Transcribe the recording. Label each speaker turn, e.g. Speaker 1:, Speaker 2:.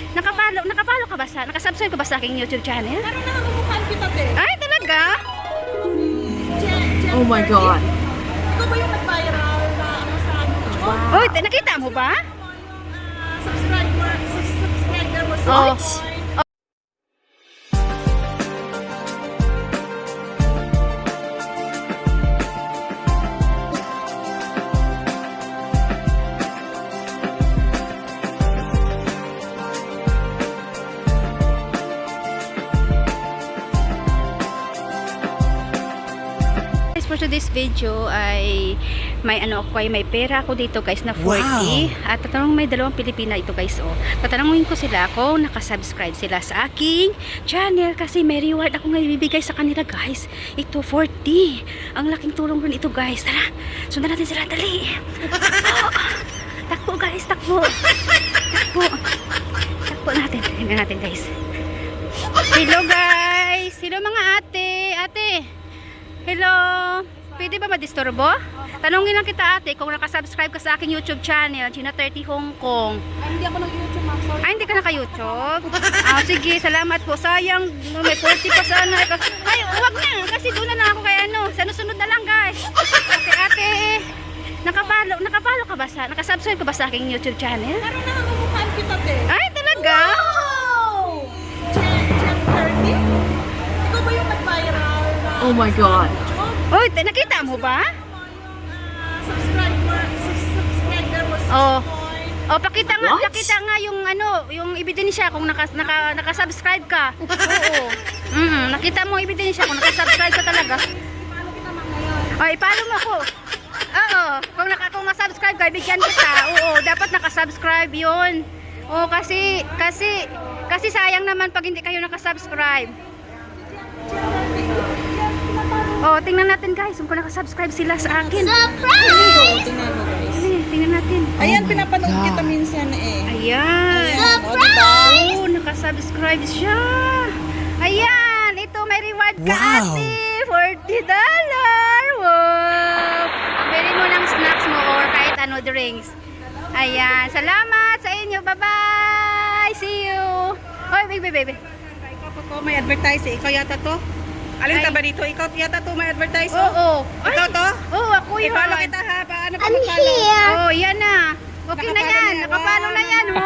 Speaker 1: Nakapalo ka ba sa, nakasubscribe ka ba sa aking YouTube channel?
Speaker 2: Parang nakakamukhaan kita, te.
Speaker 1: Ay, talaga?
Speaker 3: Oh my God.
Speaker 2: Ikaw ba yung nag-viral na ano sa ano?
Speaker 3: Wow.
Speaker 1: Oy, nakita mo ba?
Speaker 2: Subscriber mo sa
Speaker 1: Oh. For today's video ay may ano ako ay may pera ako dito guys na 40 at tatanungin may dalawang Pilipina ito guys oh. Tatanungin ko sila kung nakasubscribe sila sa aking channel kasi may reward ako ngayon ibibigay sa kanila guys. Ito 40. Ang laking tulong rin ito guys. Tara, sundan natin sila dali. Takbo guys, takbo. Takbo natin. Tingnan natin guys. Hello guys. Hello mga ate. Hello. Pwede ba madisturbo? Tanungin lang kita ate kung nakasubscribe ka sa aking YouTube channel, Gina 30 Hong Kong.
Speaker 2: Ay, hindi ako nag-YouTube, ma'am. Sorry.
Speaker 1: Ay, hindi ka naka-YouTube? Sige, salamat po. Sayang, may 40 pa sana. Ay, huwag na. Kasi doon na lang ako kay ano. Sunod na lang guys. Okay ate. Nakapalo ka ba sa, nakasubscribe ka ba sa aking YouTube channel?
Speaker 2: Parang nakakamukhaan kita, te.
Speaker 1: Ay, talaga?
Speaker 2: Wow! Gen 30? Ikaw ba yung nag-viral na
Speaker 3: Oh my God.
Speaker 1: Oy, nakita mo ba?
Speaker 2: subscriber mo sa
Speaker 1: Oh.
Speaker 2: point?
Speaker 1: Oh, pakita
Speaker 3: What?
Speaker 1: nga yung ano, yung ebidensya kung nakasubscribe ka. Oo. Nakita mo ebidensya kung nakasubscribe ka talaga.
Speaker 2: Paano kita, ma'am, ngayon?
Speaker 1: Ay, follow mo ako. Oo, kung ma-subscribe ka, bigyan kita. Oo, dapat nakasubscribe 'yon. Oo, kasi sayang naman pag hindi kayo nakasubscribe. Oh, tingnan natin guys kung nakasubscribe sila sa akin.
Speaker 2: Surprise! Tingnan mo, guys.
Speaker 1: Tingnan natin.
Speaker 2: Ayan,
Speaker 3: my
Speaker 2: pinapanood
Speaker 3: God.
Speaker 2: kita minsan eh.
Speaker 1: Ayan.
Speaker 2: Surprise!
Speaker 1: Oh, nakasubscribe siya. Ayan, ito may reward ka ate. $40. Wow. Pwede mo ng snacks mo or kahit ano drinks. Ayan, salamat sa inyo. Bye-bye. See you. Oy, baby.
Speaker 2: Ikaw po to, may advertise eh. Ikaw yata to? Alin
Speaker 1: Ay.
Speaker 2: ka ba dito? Ikaw yata to, may advertise
Speaker 1: Oo. Ay,
Speaker 2: Ikaw to?
Speaker 1: Oo, ako yun.
Speaker 2: I-follow kita ha. Paano ka mag-follow?
Speaker 1: Oh, yan na. Okay na yan. Nakapalo na yan.